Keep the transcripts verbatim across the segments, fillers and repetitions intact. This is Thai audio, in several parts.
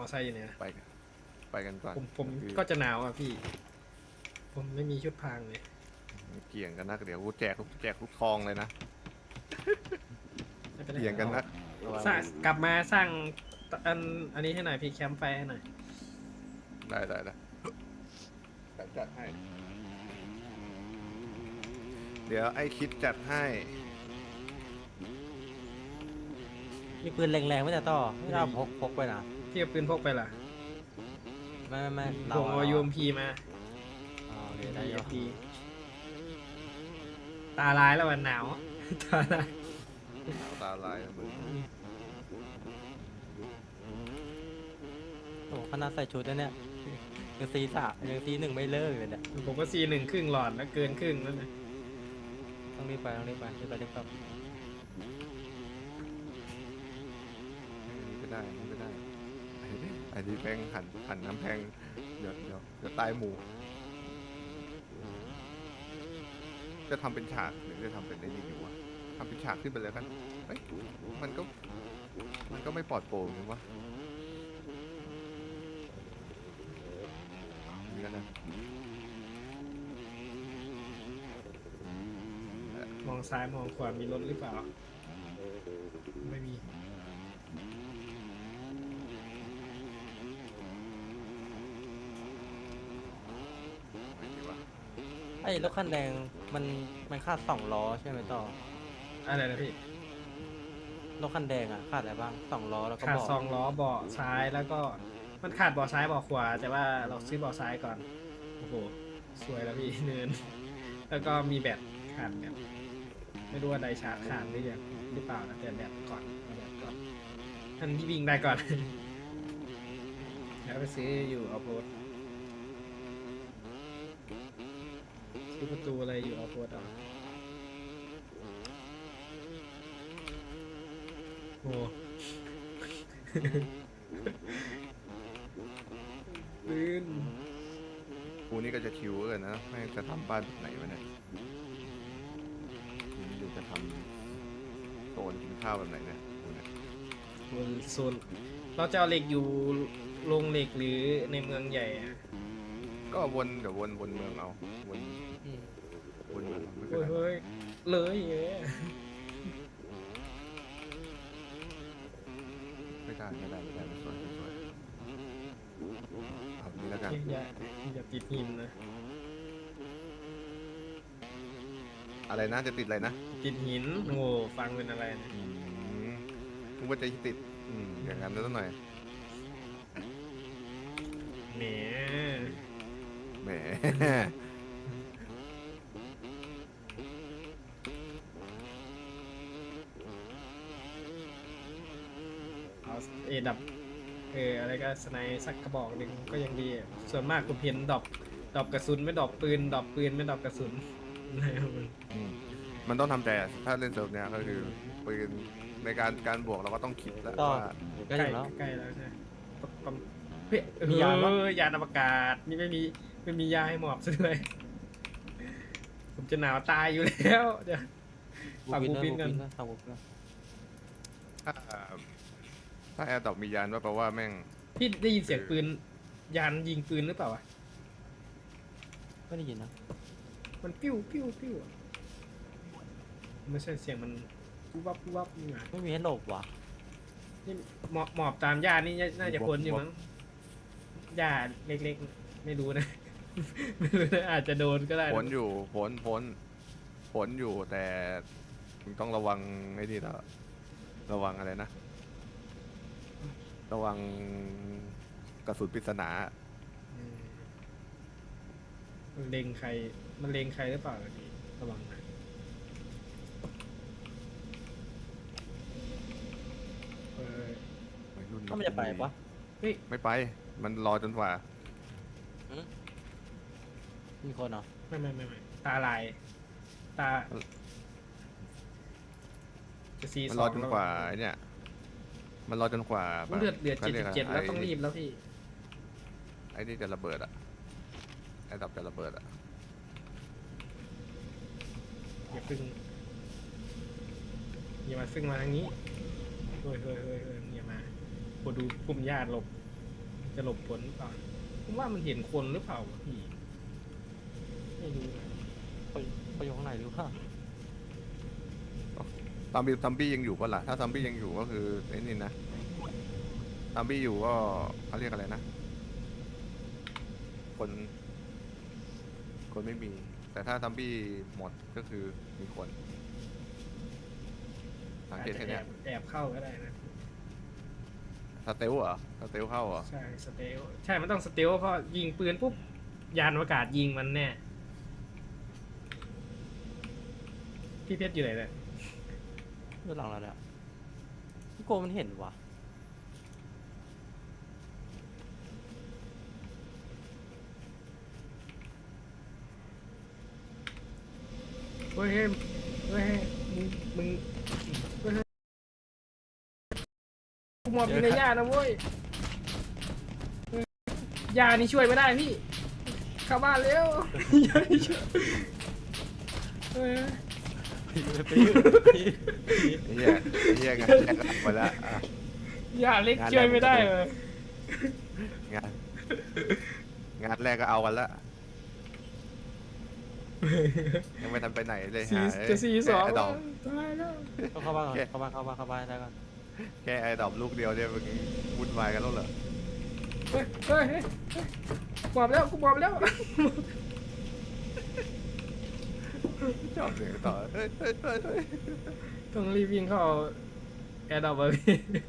อไซค์อยู่เนี่ยไปกันไปกันก่อนผมผมคือก็จะหนาวอ่ะพี่ ผมไม่มีชุดพรางเลยเกี่ยงกันนักเดี๋ยวกูแจกแจกทุกทองเลยนะไม่เป็นไรเกี่ยงกันนักสร้างกลับมาสร้างอันอันนี้ให้หน่อยพี่แคมป์ไฟให้หน่อยได้ได้ได้จัดจัดให้ เดี๋ยวไอ้คิดจัดให้มีปืนแรงๆไม่แต่ต่อไม่ได้เอาพกพกไปนะพี่เอาปืนพกไปล่ะไม่ไม่ไม่เราผมเอายูเอ็มพีมาอ๋อโอเคได้อยู่พีตาลายแล้ววันหนาว ตาลายหนาวตาลายนะมึงโอ้ขนาดใส่ชุดแล้วเนี่ยยังซีสามยังซีหนึ่งไม่เลิกเลยเนี่ยผมก็ซีหนึ่งครึ่งหลอดแล้วเกินครึ่งแล้วนะต้องรีบไปต้องรีบไปรีบไปรีบกลับไม่ได้ไม่ได้ไอ้ที่แพงหันหันน้ำแพงเดี๋ยวเดี๋ยวเดี๋ยวตายหมู่จะทำเป็นฉากหรือจะทำเป็นได้ยังไงวะทำเป็นฉากขึ้นไปเลยกันเฮ้ยมันก็มันก็ไม่ปลอดโปร่งเลยวะเอาอย่างนี้แล้วนะมองซ้ายมองขวามีรถหรือเปล่า ไม่มีไม่ดีวะไอ้รถคันแดงมันมันคาดสองล้อใช่ไหมต่ออะไรนะพี่รถคันแดงอ่ะคาดอะไรบ้างสองล้อแล้วก็ขาดเบาะสองล้อเบาะซ้ายแล้วก็มันขาดเบาะซ้ายเบาะขวา แต่ว่าเราซื้อเบาะซ้ายก่อน โอ้โห สวยแล้วพี่ เนิน แล้วก็มีแบตขาดแบตไม่รู้ว่าไดชาร์จขาดหรือยังหรือเปล่านะแต่แบตก่อนเอาแบตก่อนท่านที่วิ่งได้ก่อน แล้วไปซื้ออยู่ออฟโรดซื้อประตูอะไรอยู่ออฟโรดอ่ะโอ้ ปืนกูนี่ก็จะชิวเกินนะไม่จะทำบ้านแบบไหนวะเนี่ยกูนี่จะทำโซนกินข้าวแบบไหนเนี่ยกูเนี่ยโซนโซนเราจะเอาเหล็กอยู่โรงเหล็กหรือในเมืองใหญ่อะก็วนเดี๋ยววนวนเมืองเอาวนอืมวนเมืองเอาไม่เป็นเฮ้ยไรเฮ้ยเลยเอ้ยไม่ได้ไม่ได้ไม่ได้ไม่สวยไม่สวยเอานี้แล้วกันอย่าอย่าติดหินนะอะไรนะจะติดอะไรนะติดหินโอ้ฟังเป็นอะไรนะอืมกูว่าจะติดอืมอย่างนั้นแล้วหน่อยแหมแหมเอาเอดับเอออะไรก็สไนด์สักกระบอกหนึ่งก็ยังดีอะส่วนมากผมเห็นดรอปดรอปกระสุนไม่ดรอปปืนดรอปปืนไม่ดรอปกระสุน นะครับมันอืมมันต้องทำใจอะถ้าเล่นเซิร์ฟเนี้ยก็คือปืนในการการบวกเราก็ต้องคิดแล้วต่อว่าใกล้ใกล้ถึงแล้วใกล้แล้วใช่ปะปะเฮ้ยมียานปะเออยานอวกาศนี่ไม่มีไม่มียาให้หมอบซะเลยผมจะหนาวตายอยู่แล้วเดี๋ยว ฝากบูบูปิปินนกักัน นฝากบูปินกันถ้าถ้าแอร์ตอบมียานว่าแปลว่าแม่งพี่ได้ยินเสียงปืนยานยิงปืนหรือเปล่าวะไม่ได้ยินนะมันปิ้วปิ้วปิ้วอะไม่ใช่เสียงมันปุ๊บวับปุ๊บวับนี่หว่าไม่มีให้หลบว่ะนี่หมอบหมอบตามหญ้านี่น่าจะพ้นอยู่มั้งหญ้าเล็กๆ ไม่รู้นะ ไม่รู้นะอาจจะโดนก็ได้นะผลอยู่ผลผลผลอยู่แต่มึงต้องระวังไอ้นี่แล้วระวังอะไรนะ ระวังกระสุนปริศนาอืมมันเล็งใคร มันเล็งใครหรือเปล่าพี่ระวังนะเออวัยรุ่นถ้ามันจะไปปะเฮ้ยไม่ไป มันรอจนกว่ามีคนเหรอไม่ไม่ไม่ไม่ตาลาย ตา จะซีมันสรออง จนกว่าไอ้เนี่ย มันรอจนกว่าเลือดเดือดขาเจ็ดรียสิกบเจ็ดะแล้วต้องไรีบแล้วพี่ไอ้นี่จะระเบิดอ่ะ ไอ้ดับจะระเบิดอ่ะอย่าพึ่งอย่ามาพึ่งมาทางนี้เฮ้ยเฮ้ยเฮ้ยเฮ้ยอย่ามาโหดูกลุ่มญาติหลบจะหลบผลหรือเปล่าผมว่ามันเห็นคนหรือเปล่าวะพี่ไม่รู้นะเขาเขาอยู่ข้างในหรือเปล่าซัมบี้ซัมบี้ยังอยู่ปะล่ะถ้าซัมบี้ยังอยู่ก็คือไอ้นี่นะซัมบี้อยู่ก็เขาเรียกอะไรนะคนคนไม่มี แต่ถ้าซัมบี้หมดก็คือมีคนสังอาจเกตจะแค่แอเนี้ยบแอบเข้าก็ได้นะสเตลเหรอสเตลเข้าเหรอใช่สเตลใช่มันต้องสเตลเพราะยิงปืนปุ๊บยานอวกาศยิงมันแน่พี่เพชรอยู่ไหนเนี่ยด้านหลังเราเนี่ยพี่โกมันเห็นวะเฮ้ยเฮ้ยเฮ้ยเฮ้ยมึงมึงเฮ้ยเฮ้ยกูหมอบอยู่ในหญ้านะเว้ยเฮ้ยหญ้านี่ช่วยไม่ได้พี่เข้าบ้านเร็วหญ้านี่ช่วยเฮ้ยไปยืดไอ้เหี้ยไอ้เหี้ยงานแรกก็เอาไปแล้วอ่ะหญ้าเล็กช่วยไม่ได้เลยงานงานแรกก็เอากันละยังไม่ทันไปไหนเลยสี่หาจะสี่สองแค่ไอ้ดอกตายแล้วเข้าเข้าบ้านก่อนเข้าบ้านเข้าบ้านเข้าบ้านได้ก่อนแค่ไอ้ดอกลูกเดียวเนี่ยมึงวุ่นวายกันแล้วเหรอเฮ้ยเฮ้ยเฮ้ยเฮ้ยหมอบแล้วกูหมอบแล้วชอบเสียงต่อเฮ้ยเฮ้ยเฮ้ยเฮ้ยต้องรีบวิ่งเข้าแอร์ดรอปอะพี่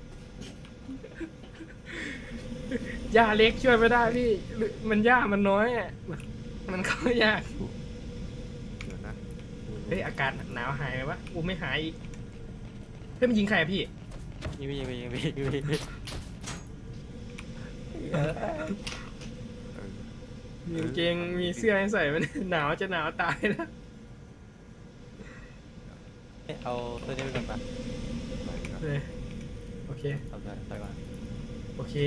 หญ้าเล็กช่วยไม่ได้พี่หรือมันหญ้ามันน้อยอ่ะมันเข้ายากเดี๋ยวนะเฮ้ยอากาศหนาวหายไหมวะกูไม่หายอีกเฮ้ยมันยิงใครอะพี่ยิงไปยิงไปยิงไปยิงไปยิงไปเออมีกางเกงมีเสื้อให้ใส่มัน หนาวจะหนาวตายแล้วเอาตัวนี้ไปก่อนปะเออโอเคเอาไปไปก่อนโอเค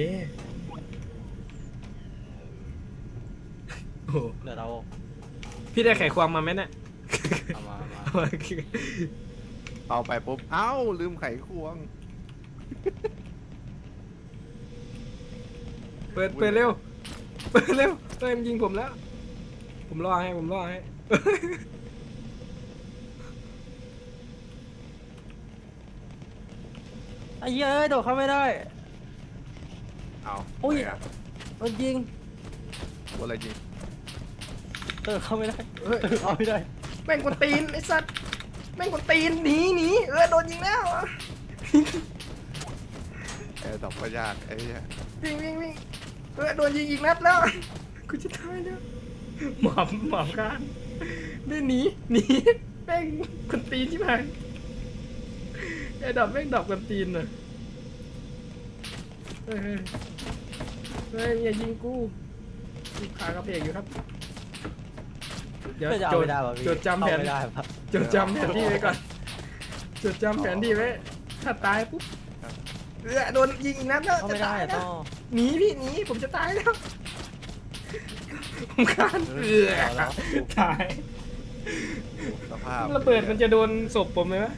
โอ้โหเดี๋ยวเราพี่ได้ไขความมาไหมเนี่ยเอามาเอามาเอาไปปุ๊บเอ้าลืมไขควงเปิดเปิดเร็วเปิดเร็วเปิดมันยิงผมแล้ว ผมรอให้ผมรอให้ไอ้เหี้ยเอ้ยโดดเข้าไม่ได้เอาอุ้ยไหนอะโดนยิงว่าอะไรจริงโดดเข้าไม่ได้เฮ้ยโดดเข้าไม่ได้แม่งกวนตีนไอ้สัตว์แม่งกวนตีนหนีหนีเออโดนยิงแล้วไอ้ดอกก็ยากไอ้เนี่ยวิ่งวิ่งวิ่งเออโดนยิงอีกนัดแล้วกูจะตายแล้วหมอบหมอบกันได้หนีหนีแม่งกวนตีนที่ไหนไอ้ดอกแม่งดอกกวนตีนน่ะเฮ้ยเฮ้ยเฮ้ยอย่ายิงกูกูขากระเพกอยู่ครับเดี๋ยวเพื่อจะเอาจดไม่ได้ป่ะพี่จดจำแผเข้าน ไม่ได้ป่ะจดจำแผนที่ไว้ก่อนจดจำแผนที่ไว้ถ้าตายปุ๊บเออโดนยิงอีกนัดแล้วเข้าจะไม่ได้ตายอะแล้ต้วอหนีพี่หนีผมจะตายแล้วผมคานเออเอาแล้วตายสภาพระเบิดมันจะโดนศพผมไหมวะ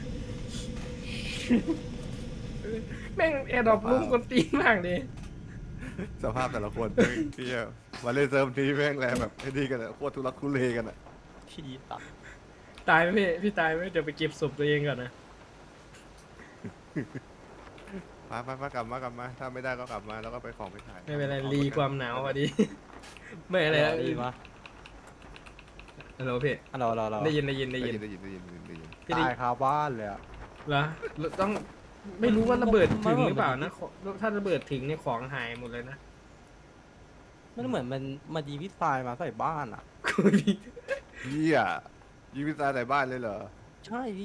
แม่งแอร์ดรอปลุ่มคนตีนมากเลยสภาพแต่ละคนที่มาเล่นเซิร์ฟนี้แม่งแรงแบบไอ้นี่กันอะโคตรทุรักทุเลกันอะที่ตัดตายไหมพี่พี่ตายไหมเดี๋ยวไปเก็บศพตัวเองก่อนนะมามามากลับมากลับมา ถ้าไม่ได้ก็กลับมาแล้วก็ไปของไปขายไม่เป็นไรรีความหนาวพอดี ไม่อะไรแล้วดีมาฮัลโหลพี่อันเราเราเราได้ยินได้ยินได้ได้ยิยินนได้ยินได้ยินได้ยินได้ยินพี่ได้ตายคาบ้านเลยอะเหรอต้องไม่รู้ว่าระเบิดถึงหรือเปล่านะขอถ้าระเบิดถึงเนี่ยของหายหมดเลยนะมันเหมือนมันมาดีวิทายมาใส่บ้านอะคุยเฮียยิงพิซซ่าใส่บ้านเลยเหรอใช่พี่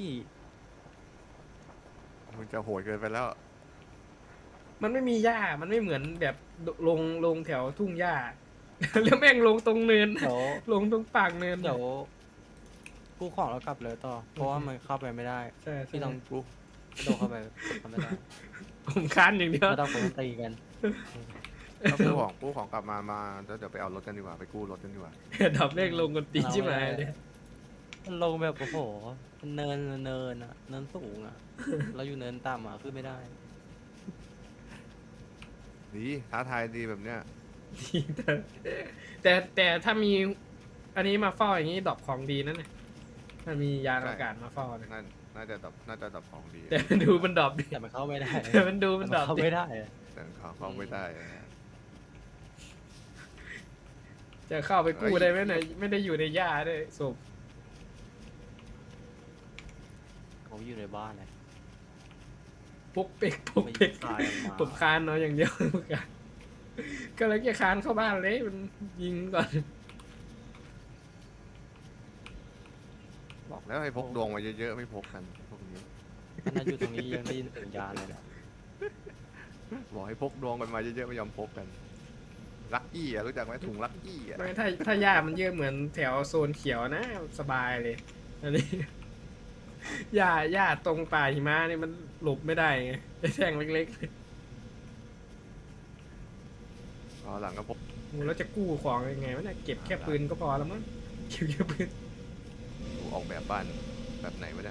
มึงจะโหดเกินไปแล้วมันไม่มีหญ้ามันไม่เหมือนแบบลงลงแถวทุ่งหญ้า แล้วแม่งลงตรงเนินเดี๋ยวลงตรงปากเนินเดี๋ยวกูของแล้วกลับเลยต่อ เพราะว่ามันเข้าไปไม่ได้ใช่ใช่พี่ต้องกูโดดเข้าไปทำไม่ได้ผมค้านอย่างเดียวไม่ต้องคนตีกันถ้ากู้ของกู้ของกลับมามาแล้วเดี๋ยวไปเอารถกันดีกว่าไปกู้รถกันดีกว่าดับเลขลงกันตีชิบหายเลยมันลงแบบโอ้โหมันเนินเนินอะเนินสูงอะเราอยู่เนินต่ำอะขึ้นไม่ได้ดีท้าทายดีแบบเนี้ยแต่แต่แต่ถ้ามีอันนี้มาเฝ้าอย่างนี้ดรอปของดีนั่นเลยถ้ามียานอากาศมาเฝ้านะน่าน่าจะดับน่าจะดับของดีแต่มันดูมันดรอปดิแต่มันเข้าไม่ได้แต่มันดูมันดรอปเข้าดิไม่ได้อะแต่เขาเข้าไม่ได้นะฮะจะเข้าไปกู้ได้ไหมเนี่ยไม่ได้อยู่ในหญ้าด้วยศพผมอยู่ในบ้านเลยปุกเป๊กปุกไม่เป๊กตายออกมาผมคานเนาะอย่างเดียว ก็เลยจะคานเข้าบ้านเลยมันยิงก่อนบอกแล้วให้พกดวงมาเยอะๆไม่พกกันพวกนี้ขนาดอยู่ตรงนี้ยังได้ยินเสียงยานเลยนะบอกให้พกดวงกันมาเยอะๆไม่ยอมพกกันลักกี้อ่ะรู้จักไหมถุงลักกี้อ่ะไม่ถ้าถ้าหญ้ามันเยอะเหมือนแถวโซนเขียวนะสบายเลยอันนี้ หญ้าหญ้าตรงป่าหิมะนี่มันหลบไม่ได้ไงไอ้แท่งเล็กอ๋อหลังก็พกๆโอ้แล้วจะกู้ของยังไงวะเนี่ยเก็บแค่ปืนก็พอแล้วมั้งเก็บแค่ปืนดูออกแบบบ้านแบบไหนวะเนี่ย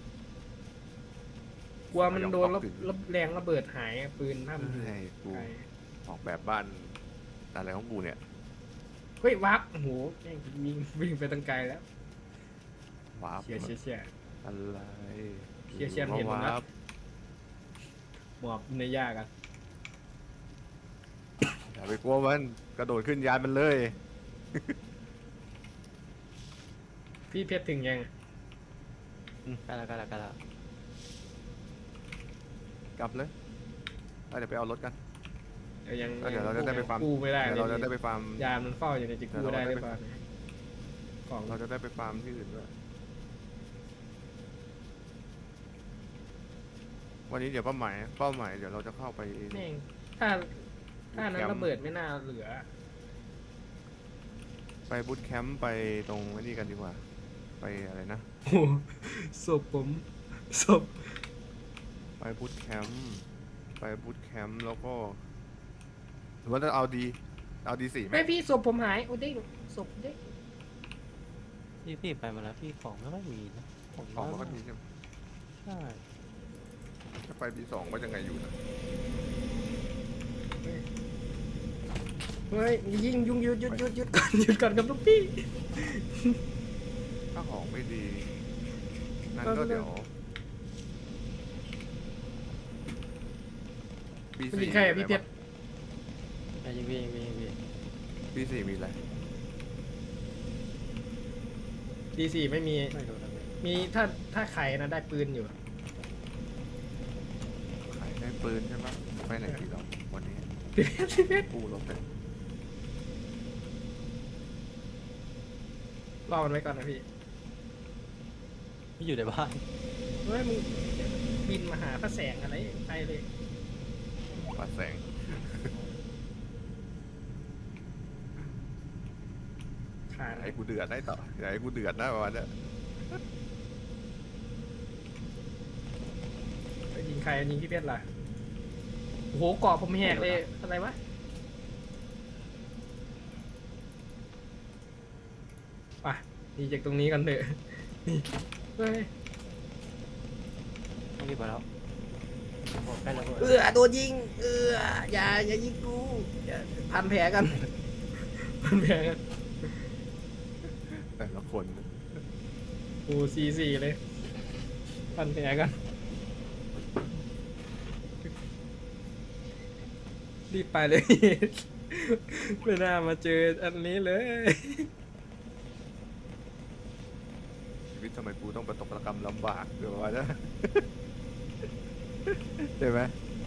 กลัวมันโดนระระแรงระเบิดหายอะปืนถ้ามันอยู่ใช่กูไกลออกแบบบ้านอะไรของกูเนี่ยเฮ้ยวับโอ้โหแม่งวิ่งวิ่งไปตั้งไกลแล้วว้าบเชียร์เชียร์เชียร์อะไรเชี่ยเชี่ยเห็นหมดนะว้าบหมอบในหญ้ากันอย่าไปกลัวมันกระโดดขึ้นยานมันเลยพี่เพชรถึงยังอืมใกล้แล้วใกล้แล้วใกล้แล้วกลับเลยเอาเดี๋ยวไปเอารถกันเดี๋ยวยังแล้วเดี๋ยวเราจะได้ไปฟาร์มกู้ไม่ได้เดี๋ยวเลเราจะยได้ไปฟาร์มยานมันเฝ้าอยู่ในจิกู้ได้หรือเปล่าของเราจะได้ไปฟาร์มที่อื่นด้วยวันนี้เดี๋ยวเป้าหมายเป้าหมายเดี๋ยวเราจะเข้าไปแม่งถ้าถ้านั้นแคมป์ระเบิดไม่น่าเหลือไปบูตแคมป์ไปตรงไอ้นี่กันดีกว่า ไปอะไรนะโอ้ศพผมศพไปบูตแคมป์ไปบูตแคมป์แล้วก็หรือว่าจะเอาดีเอาดีสี่ไหมไม่พี่ศพผมหายโอ้เด้งศพเด้งพี่พี่ไปมาแล้วพี่ของไม่ค่อยมีนะของของมันก็น้ยดีใช่ไหมใช่ถ้าไปปีสองก็ยังไงอยู่นะเฮ้ยยิงยุงหยุดหยุดหยุดหยุดก่อนหยุดก่อนครับลูกพี่ถ้าของไม่ดีนั่นเออก็เดี๋ยวปีมันสี่ยิงใครอะพี่เพชรแต่ยิงพี่ยิงพี่ยิงพี่ปีสี่มีอะไรดีสี่ไม่มีไม่รู้นะพี่มีถ้าถ้าไขนะได้ปืนอยู่ขายได้ปืนใช่ไหมไปไหนดีเราวันนี้พี่เพชรพี่เพชรกู้รถไปรอมันไว้ก่อนนะพี่พี่อยู่ในบ้านเฮ้ยมึงบินมาหาพระแสงอะไรไปเลยปัดแสงขาดไอ้กูเดือดได้ต่ออย่าให้กูเดือดนะประมาณเนี้ยยิงใครยิงพี่เพชรล่ะโอ้โหเกาะผมแหกเลยอะไรวะไปหนีจากตรงนี้กันเถอะนี่เฮ้ยต้องรีบไปแล้วโอ้ใกล้แล้วเออโดนยิงเอออย่าอย่ายิงกูอย่าพันแผลกัน พันแผลกันแต่ละคนโอ้สี่สี่เลยพันแผลกันรีบไปเลย ไม่น่ามาเจออันนี้เลยชีวิตทำไมกูต้องประตกระกรรมลำบากเดี๋ยวว่านะ ใช่ไหม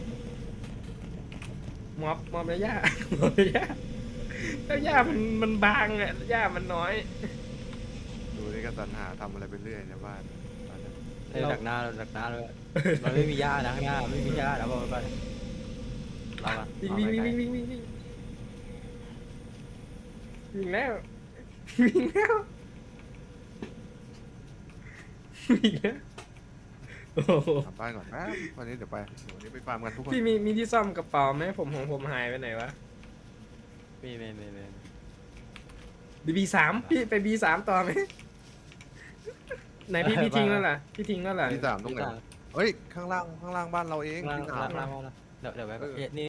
มอบมอบแล้วย่า มอบแล้วย่าแล้วย่ามันมันบางอ่ะย่ามันน้อยดูนี่ก็สรรหาทำอะไรไปเรื่อยในบ้านบ้านนั้นเราดักหน้าเราดักหน้าเลยมันไม่มีหญ้านะข้างหน้าไม่มีหญ้าแล้วบอกไว้ก่อนเราอะวิ่งเอาวิ่งไปวิ่งไกลวิ่งวิ่งวิ่งวิ่งแล้ววิ่งแล้ววิ่งแล้วโอ้โหกลับบ้านก่อนนะวันนี้เดี๋ยวไปวันนี้ไปฟาร์มกันทุกคนพี่มีมีที่ซ่อมกระเป๋าไหมผมของผมหายไปไหนวะมีมีมีมีบีบีสามพี่ไปบีสามต่อไหมไหนพี่พี่ทิ้งแล้วล่ะพี่ทิ้งแล้วล่ะที่สามตรงไหนวะเฮ้ยข้างล่างข้างล่างบ้านเราเองล่างที่สาล่าม งล่างล่างเดี๋ยวเดี๋ยวไว้เออเอ๊ะนี่